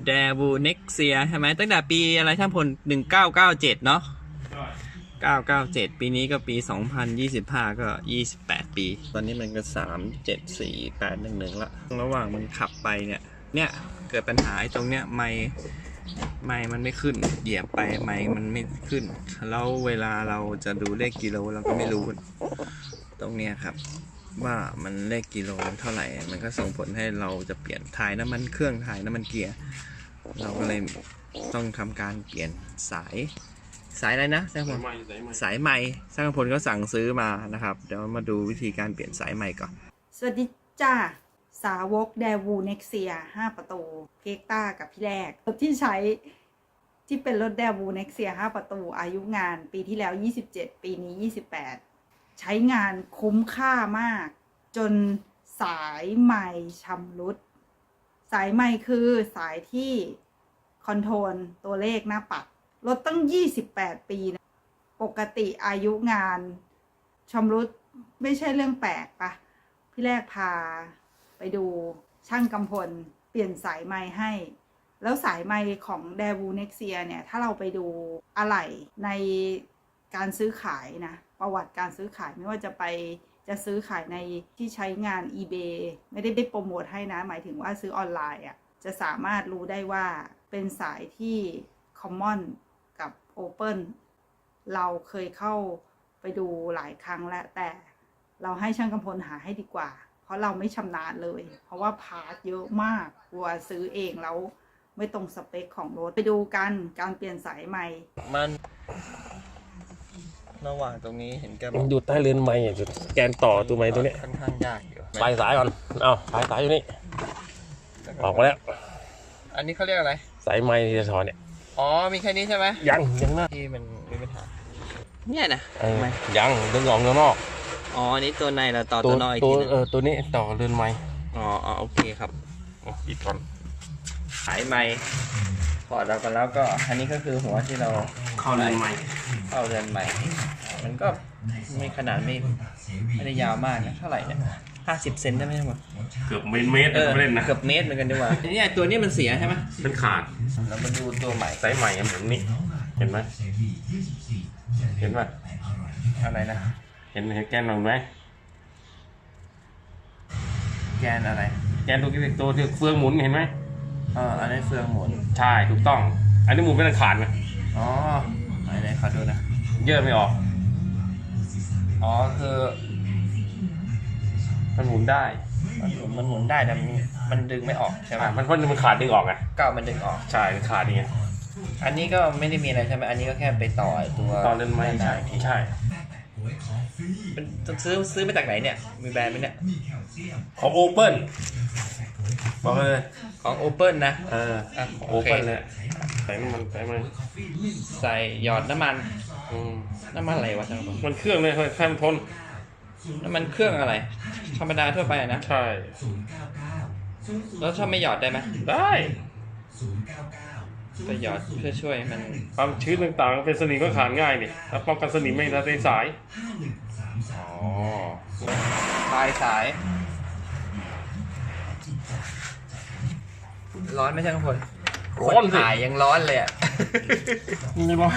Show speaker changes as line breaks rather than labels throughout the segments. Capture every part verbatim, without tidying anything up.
แดวูเน็กเซียใช่ไหมตั้งแต่ปีอะไรช่างพลหนึ่งเก้าเก้าเจ็ดเนาะเก้าเก้าเจ็ดปีนี้ก็ปีสองพันยี่สิบห้าก็ยี่สิบแปดปีตอนนี้มันก็สามเจ็ดสี่แปดหนึ่งหนึ่งละระหว่างมันขับไปเนี่ยเนี่ยเกิดปัญหาตรงเนี้ยไมค์ไมค์มันไม่ขึ้นเหยียบไปไมค์มันไม่ขึ้นแล้วเวลาเราจะดูเลขกิโลเราก็ไม่รู้ตรงเนี้ยครับว่ามันเลขกิโลเท่าไหร่มันก็ส่งผลให้เราจะเปลี่ยนถ่ายน้ำมันเครื่องถ่ายน้ำมันเกียร์เราก็เลยต้องทำการเปลี่ยนสายสายอะไรนะช่างพลสายใหม่ช่างพลก็สั่งซื้อมานะครับเดี๋ยวมาดูวิธีการเปลี่ยนสายใหม่ก่อน
สวัสดีจ้าสาวกแดวูเน็กเซียห้าประตูเกกต้ากับพี่แรกรถที่ใช้ที่เป็นรถแดวูเน็กเซียห้าประตูอายุงานปีที่แล้วยี่สิบเจ็ดปีนี้ยี่สิบแปดใช้งานคุ้มค่ามากจนสายใหม่ชำรุดสายใหม่คือสายที่คอนโทรลตัวเลขหน้าปัดรถตั้งยี่สิบแปดปีนะปกติอายุงานชำรุดไม่ใช่เรื่องแปลกปะพี่แรกพาไปดูช่างกำพลเปลี่ยนสายไม้ให้แล้วสายไม้ของแดวูเน็กเซียเนี่ยถ้าเราไปดูอะไหล่ในการซื้อขายนะประวัติการซื้อขายไม่ว่าจะไปจะซื้อขายในที่ใช้งาน eBay ไม่ได้ไปโปรโมทให้นะหมายถึงว่าซื้อออนไลน์อ่ะจะสามารถรู้ได้ว่าเป็นสายที่ Common กับ Open เราเคยเข้าไปดูหลายครั้งแล้วแต่เราให้ช่างกำพลหาให้ดีกว่าเพราะเราไม่ชำนาญเลยเพราะว่าพาร์ทเยอะมากกลัวซื้อเองแล้วไม่ตรงสเปคของรถไปดูกันการเปลี่ยนสายใหม่
มันระหว่างตรงนี้เห็นแก
มันอยู่ใต้เรือนไม้จุดแกนต่อตัวไม้ตัวนี้
ค่อนข้างยากอยู่
ปลายสายก่อนเอาปลายสายอยู่นี่ออกมาแล้ว
อันนี้เขาเรียกอะไร
สายไม้ที่จะถอนเนี่ย
อ๋อมีแค่นี้ใช่ไหม
ยังยังนะ
ที่มันมีปัญหาเนี่ยนะ
ยังดึงออกข้างนอก
อ๋ออันนี้ตัวในเราต่อตัวนอกอีกทีนึง
เออตัวนี้ต่อเรือนไม้
อ๋ออ๋อโอเคครับ
อีกก่อน
สายไม้พอดเรากันแล้วก็อันนี้ก็คือหัวที่เรา
เข้าเรือนไม้
เข้าเรือนไม้มันก็ไม่ขนาดไม่ไม่ได้ยาวมากนะเท่าไหร่เนี่ยห้าสิบเซนได้ไหมครับ
เกือบเมตรเมตรไม่เล่นนะ
เกือบเมตรเหมือนกันดีกว่าอันนี้ตัวนี้มันเสียใช่ไหม
เป็นขาด
เรามาดูตัวใหม่
สายใหม่เหมือนนี่เห็นไหมเห็นป่ะ
อะไรนะ
เห็นเห็นแกนหรือไหม
แกนอะไร
แกนตัวที่ตัวที่เฟืองหมุนเห็นไหม
เอออันนี้เฟืองหมุน
ใช่ถูกต้องอันนี้หมุนเป็นขาดไหม
อ๋อไหนๆขอดูนะ
เยอะไม่ออก
อ๋อคือ
มันหมุนได้
มันหมุนได้แต่มันดึงไม่ออกใช่ไหม
มันเพราะมันขาดดึงออกไง
ก้าวมันดึงออก
ใช่มันขาดนี่ไง
อันนี้ก็ไม่ได้มีอะไรใช่ไหมอันนี้ก็แค่ไปต่อตัว
ต่อเล่นไม้ใช่ใช่
เป็นซื้อซื้อมาจากไหนเนี่ยมีแบรนด์ไหมเนี่ย
ของโอเปิลบอกเลย
ของโอเปิลนะ
เออโอเปิลเลยใส่มันใส่มัน
ใส่หยอดน้ำมันน้ำมันอะไรวะจ๊ะ
มันเครื่องเลยแค่มันทน
น้ำมันเครื่องอะไรธรรมดาทั่วไปนะ
ใช่
แล้วถ้าไม่หยอดได้ไหม
ได้
แต่หยอดเพื่อช่วยมัน
ความชื้นต่างๆเป็นสนิมก็ขาดง่ายนี่ถ้าป้องกันสนิมไม่ได้ในสาย
อ๋อปลายสายร้อนไหมช่างพล
ร้อน
ถ่ายยังร้อนเลยอ่ะ
นี่ร้อน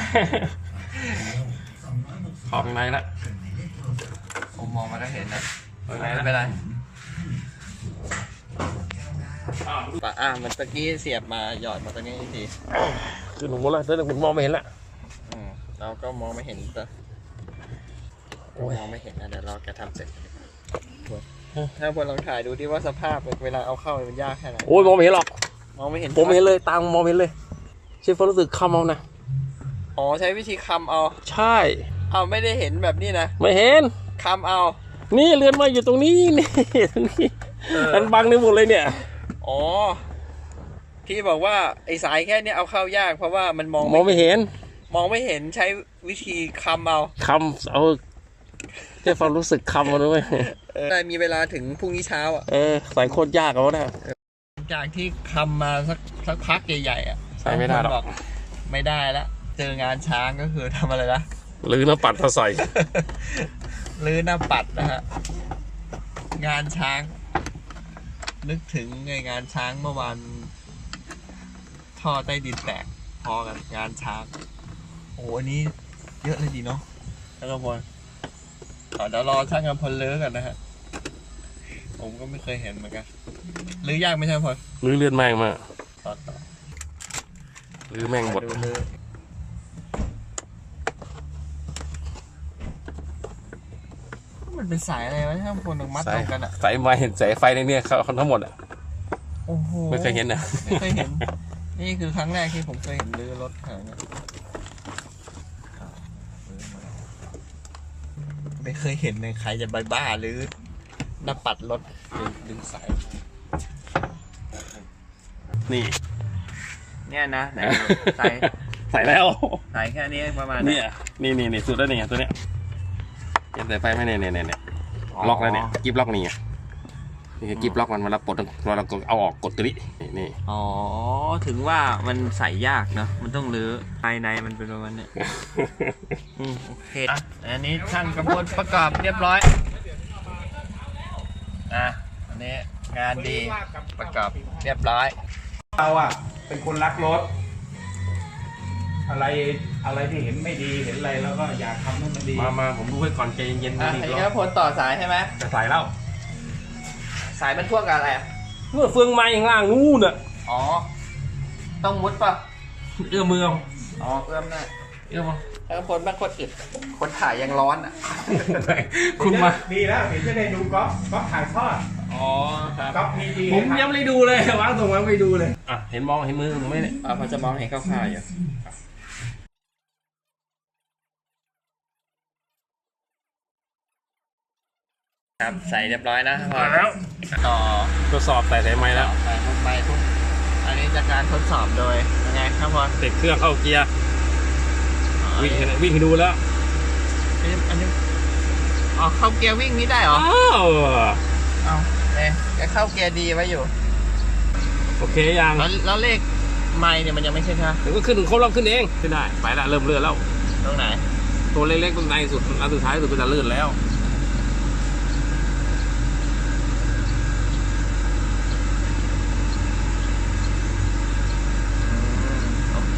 ออกในละ
ผมมองมาก็เห็นนะไม่เป็นไรปะอ่ะมันตะกี้เสียบมาหยอดมาตรงนี้ที
คือหนูมองแล้วแต่หนูมองไม่เห็นละ
อืมเราก็มองไม่เห็นแต่มองไม่เห็นนะเดี๋ยวเราแกทำเสร็จถ้าพลลองถ่ายดูดิว่าสภาพเวลาเอาเข้ามันยากแค่ไหน
โอ้ยมองไม่เห็นหรอก
มองไม่เห็น
ผมไม่เห็นเลยตามมองไม่เห็นเลยเชฟรู้สึกคำเอานะ
อ๋อใช้วิธีคำเอา
ใช่
เอาไม่ได้เห็นแบบนี้นะ
ไม่เห็น
คำเอา
นี่เรือนไม้อยู่ตรงนี้นี่ตรงนี้มันบังในหมดเลยเนี่ย
อ๋อที่บอกว่าไอ้สายแค่นี้เอาเข้ายากเพราะว่ามันมอง
มองไม่เห็น
มองไม่เห็นใช้วิธีคำเอา
คำเอาแค่ความรู้สึกคำเอาด้วย
ได้มีเวลาถึงพรุ่งนี้เช้าอ่ะ
เออสายโคตรยากเอานะ
จากที่คำมาสักสักพักใหญ่ๆอ่ะ
ใช่ไม่ได้หรอก
ไม่ได้แล้วเจองานช้างก็คือทำอะไรนะ
ลื้อหน้าปัดมาใส่
ลื้อหน้าปัดนะฮะงานช้างนึกถึงงานช้างเมื่อวานท่อใต้ดินแตกพอกันงานช้างโอ้อันนี้เยอะเลยดีเนาะช่างกำพลเดี๋ยวรอช่างกำพลเลิกกันนะฮะผมก็ไม่เคยเห็นเหมือนกันหรือยากไหมช่างกำพล
ลื้อเลือดแม่งมา
ต่อต่อ
ลื้อแม่งหมด
ดูเลยมันเป็นสายอะไรวะช่างกำพลต้องมัด
สาย
ตรงกันอ่ะ
สายไฟสายไฟในเนี่ยเขาทั้งหมดอ่ะ
โอ้โห
ไม่เคยเห็นนะ
ไม่เคยเห็น นี่คือครั้งแรกที่ผมเคยเห็นรื้อรถขนาดนี้ไม่เคยเห็นเลยใครจะบ้าๆหรือหน้าปัดรถดึงดึงสาย
นี่
เนี่ยนะไหนใส่
ใส่แล้ว
ใส่แค่นี้ประมาณ
เนี่ยนี่นี่นี่สุดแล้วเนี่ยตัวเนี้ยเห็นสายไฟไหมเนี่ยเนี่ยเนี่ยล็อกแล้วเนี่ยกิฟล็อกนี่ไงนี่คือกิฟล็อกมันเวลาปลดเวลาเราเอาออกกดตัวนี้นี่
อ๋อถึงว่ามันใส่ยากเนาะมันต้องรื้อภายในมันเป็นประมาณนี้อืมโอเคอ่ะอันนี้ช่างกระบวนประกอบเรียบร้อยอ่ะอันนี้งานดีประกอบเรียบร้อย
เราอ่ะเป็นคนรักรถ อะไรอะไรที่เห็นไม่ดีเห็นอะไรแล้วก็อยากทำให้มันดี
มามาผมดูให้ก่อนใจเย็นๆ
อ่ะ
นี่
อันนี้
ร
ก็
อ
พ้นต่อสายใช่ไหม
จะใส่แล้ว
สายมันพ่วงกับอะไรอ่ะ
เมื่อเฟืองไม้ข้างล่างนู่นน่ะ
อ๋อต้องมุดป่ะ
เอื้อมมือเอา
อ๋อเอื้อมหน้า
เอื้อมเอา
ถ้าพ้นบางคนอึดคนถ่ายยังร้อนอ่ะ
คุณมา
ดีแล้วเห็นจะได้ดูก๊อฟก๊อฟถ่ายทอด
อ๋อครับ
ก๊อฟพีจี
ผมยังไม่ได้ดูเลยวางตรงวางไม่ดูเลยอ่ะเห็นมองเห็นมือผมไหมเนี่ย
อ่าพอจะมองเห็นคร่าวๆอยู่ครับใส่เรียบร้อยนะพอ
แล้ว
ต่อ
ทดสอบใส่สายไม้แล้ว
ใส่ลงไปทุกอันนี้จากการทดสอบโดยยังไงครับพอ
ติดเครื่องเข้าเกียร์วิ่งให้วิ่งให้ดูแล้ว
อันนี้อันนี้อ๋อเข้าเกียร์วิ่งนี้ได้เหรอ
อ้าว
เอาเนี่ยแกเข้าเกียร์ดีไว้อยู่
โอเคยัง
แล้วแล้วเลขไมล์เนี่ยมันยังไม่ใช่ใช่ไหม
เดี๋ยวก็ขึ้นถึงครบรอบขึ้นเองขึ้นได้ไปละเริ่มเลื่อนแล้ว
ตรงไหน
ตัวเล็กๆตรงในสุดอันสุดท้ายสุดก็จะเลื่อนแล้ว
โอเค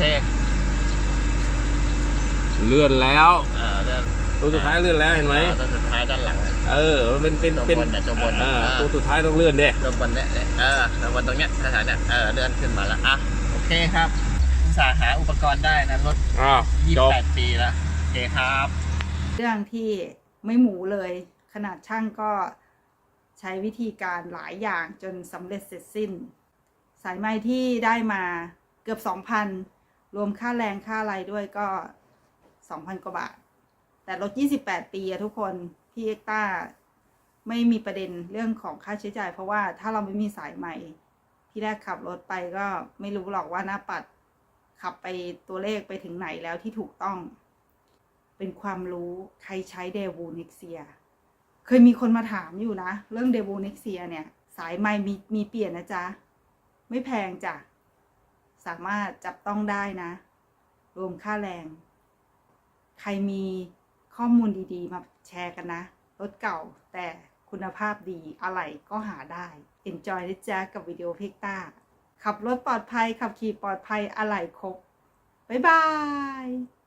เลื่อนแล้ว
อ่าเดิน
ตัวสุดท้ายเลื่อนแล้วเห็นไหม
ตัวสุดท้ายด้านหลัง
เออมันเป็นเป็นเป็น
ตัวบนน่ะตัวบน
เออ
อ่า
ตัวสุดท้ายต้องเลื่อนเด้
ตัวบนเนี่ยเออตัวบนตรงเนี้ยสถานเนี่ยเออเดินขึ้นมาแล้วอ่ะโอเคครับอุตส่าห์หาอุปกรณ์ได้นะรถ
อ้าว
ยี่
จ
สิ
บบ
แปดปีแล้วโอเคครับ
เรื่องที่ไม่หมูเลย ขนาดช่างก็ใช้วิธีการหลายอย่างจนสำเร็จเสร็จสิ้น สายไหมที่ได้มาเกือบสองพันรวมค่าแรงค่าอะไรด้วยก็สองพันกว่าบาท แต่รถยี่สิบแปดปีอะทุกคนพี่เอ็กต้าไม่มีประเด็นเรื่องของค่าใช้จ่ายเพราะว่าถ้าเราไม่มีสายไหมพี่แรกขับรถไปก็ไม่รู้หรอกว่าหน้าปัดขับไปตัวเลขไปถึงไหนแล้วที่ถูกต้อง เป็นความรู้ใครใช้เดวูเน็กเซียเคยมีคนมาถามอยู่นะเรื่องเดวูเน็กเซียเนี่ยสายไมค์มีมีเปลี่ยนนะจ๊ะไม่แพงจ้ะสามารถจับต้องได้นะรวมค่าแรงใครมีข้อมูลดีๆมาแชร์กันนะรถเก่าแต่คุณภาพดีอะไรก็หาได้ Enjoy นะจ๊ะกับวิดีโอเพกต้าขับรถปลอดภัยขับขี่ปลอดภัยอะไรครบบ๊ายบาย